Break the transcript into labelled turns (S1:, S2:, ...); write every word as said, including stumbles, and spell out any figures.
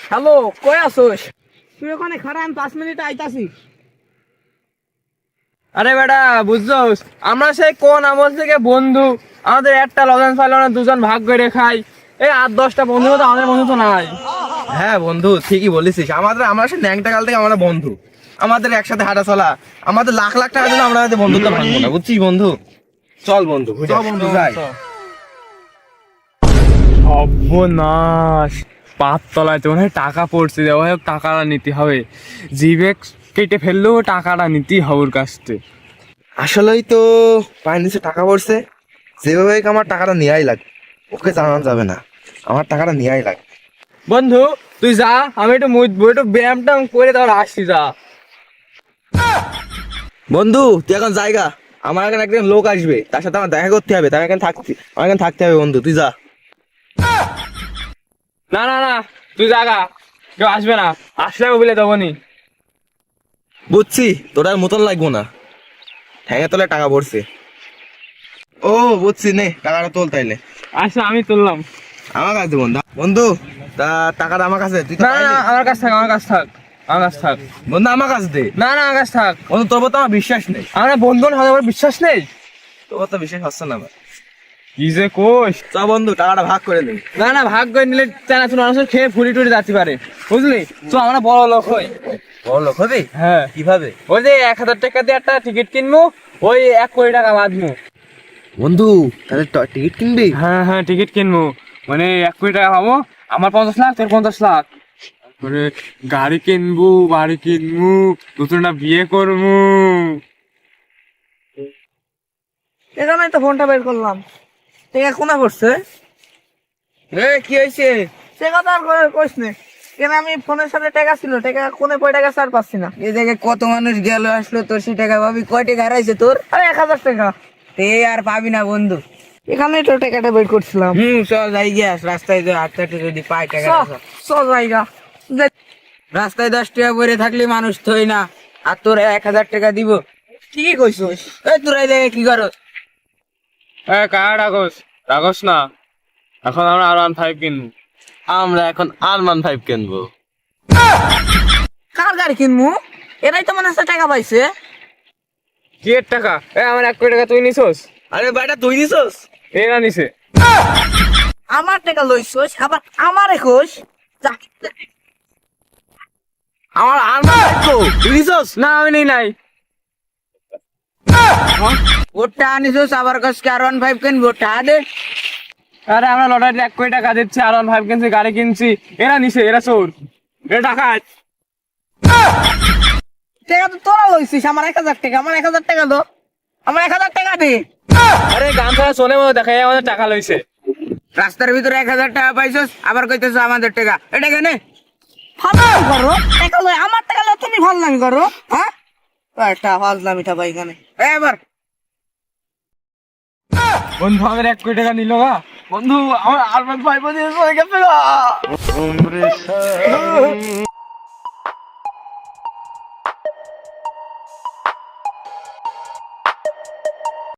S1: Hello, কই আছোস? তুই ওখানে খাড়া, আমি পাঁচ মিনিট আইতাছি।
S2: আরে বেটা বুঝছস, আমরা সেই কোন আমল থেকে বন্ধু। আমাদের একটা লজেন্স পাইলো না, দুজন ভাগ করে খাই। এই আট দশটা বন্ধু তো আমাদের বন্ধু তো নাই।
S3: হ্যাঁ বন্ধু, ঠিকই বলেছিস। আমাদের আমরা সে ন্যাংটা কাল থেকে আমরা বন্ধু। আমাদের একসাথে হাঁটা চলা, আমাদের লাখ লাখ টাকা দিলে আমরা আমাদের বন্ধুত্ব ভাঙবো না, বুঝছিস বন্ধু? চল বন্ধু, চল বন্ধু যাই।
S2: সর্বনাশ, পাঁচতলায় তো মনে হয় টাকা পড়ছে, যাই হোক টাকাটা নিতে হবে। জিভে কেটে ফেললেও টাকাটা নিতেই হবে ওর কাছ থেকে।
S3: আসলেই তো পায়ের নিচে টাকা পড়ছে, যেভাবে হোক আমার টাকাটা নেওয়াই লাগবে। ওকে জানানো যাবে না, আমার টাকাটা নেওয়াই লাগবে।
S2: বন্ধু তুই যা, আমি একটু মুতবো, একটু ব্যায়াম ট্যাম করে তারপর আসছি। যা
S3: বন্ধু তুই এখন জায়গা, আমার এখানে একজন লোক আসবে, তার সাথে আমার দেখা করতে হবে, তার এখানে থাকতে আমার এখানে থাকতে হবে। বন্ধু তুই যা।
S2: না না না, তুই জাগা, কেউ আসবে না, আসলে বলে দেবনি।
S3: বুঝছি, তোর আর মতন লাগবো না, ঠ্যাঙে তোলে টাকা পড়ছে। ও বুঝছি, নে টাকাটা তোল তাইলে।
S2: আচ্ছা আমি তুললাম।
S3: আমার কাছে বন্ধু বন্ধু তা টাকাটা আমার কাছে, তুই তো
S2: না না
S3: পাইলি।
S2: আমার কাছ থাক, আমার কাছ থাক, আমার কাছ থাক।
S3: বন্ধু আমার কাছে দে।
S2: না না আমার কাছ থাক।
S3: বন্ধু তোর তো আমার বিশ্বাস নেই,
S2: আমরা বন্ধু না, আমার বিশ্বাস নেই।
S3: তোর তো বিশ্বাস হচ্ছে না আমার।
S2: কি যে কোষ।
S3: চ বন্ধু টাকাটা ভাগ করে নেই।
S2: না না, ভাগ করে নিলে চানাচুর মানুষ খেয়ে ফুলি টুলি যাতে পারে, বুঝলি? তো আমরা বড় লোক হই।
S3: বড় লোক হবে?
S2: হ্যাঁ।
S3: কিভাবে?
S2: ওই যে এক হাজার টাকা দিয়ে একটা টিকিট কিনবো, ওই এক কোটি টাকা বাঁধবো।
S3: বন্ধু তাহলে ট- টিকিট কিনবি?
S2: হ্যাঁ হ্যাঁ টিকিট কিনবো, মানে এক কোটি টাকা পাবো। আমার পঞ্চাশ লাখ, তোর পঞ্চাশ লাখ। তারপরে গাড়ি কিনবো, বাড়ি কিনবো, নতুনটা বিয়ে করবো।
S1: এখানে তো ফোনটা বের করলাম। টেকা কোনা পড়ছে?
S3: এ কি হয়েছে?
S1: সে কথা আর করে কইস নে। কেন আমি ফোনের সাথে টাকা ছিল, টাকা কোনে কয় টাকা ছাড় পাচ্ছি না।
S4: এই জায়গায় কত মানুষ গেল আসলো, তোর সে টাকা পাবি? কয় টাকা হারাইছে তোর?
S1: আরে এক হাজার টাকা।
S4: তে আর পাবি না বন্ধু।
S1: এখানেই তো টাকাটা বের করছিলাম।
S4: হুম চল যাই গিয়াস, রাস্তায় যে হাঁটতে হাঁটতে যদি পাই টাকা।
S1: চ জায়গা।
S4: রাস্তায় দশ টাকা পরে থাকলে মানুষ থই না, আর তোর এক হাজার টাকা দিব?
S1: ঠিকই কইছিস।
S4: এই তোর এই জায়গায় কি করো?
S2: হ্যাঁ কার রাগস, রাগস না। এখন আমরা আর ওয়ান ফাইভ কিনবো।
S3: আমরা এখন আরমান ফাইভ কিনবো।
S1: কার গাড়ি কিনবো? এরাই তো মনে হচ্ছে টাকা পাইছে।
S2: কি এর টাকা? এ আমার এক কোটি টাকা তুই নিছোস?
S3: আরে বেটা তুই নিছস?
S2: এরা নিছে।
S1: আমার টাকা লইছস, আবার আমারে কইস। যা।
S3: আমার আরমান ফাইভ তো তুই নিছস?
S2: না আমি নেই নাই।
S4: ওটা আনিস আবার কসকে আর ওয়ান ফাইভ কিনবো, টাকা দে।
S2: আরে আমরা লটারিতে এক কোটি টাকা দিচ্ছি, আর ওয়ান ফাইভ কিনছি, গাড়ি কিনছি। এরা নিছে, এরা চোর, এরা ডাকাত।
S1: টাকা তো তোরা লইছিস, আমার এক হাজার টাকা, আমার এক হাজার টাকা দো। আমার এক হাজার টাকা দে।
S2: আরে গান ছাড়া শোনে মতো দেখা যায় আমাদের টাকা লইছে।
S4: রাস্তার ভিতরে এক হাজার টাকা পাইছস, আবার কইতেছ আমাদের টাকা। এটা কেন?
S1: ফাজলামি করো, টাকা লই, আমার টাকা লই তুমি ফাজলামি করো, হ্যাঁ? একটা ফাজলামি টা ভাই এখানে।
S4: এবার
S2: বন্ধু আমাদের এক কোটি টাকা নিল গা। বন্ধু আমার আর ওয়ান ফাইভ দিয়ে চলে গেছে গা।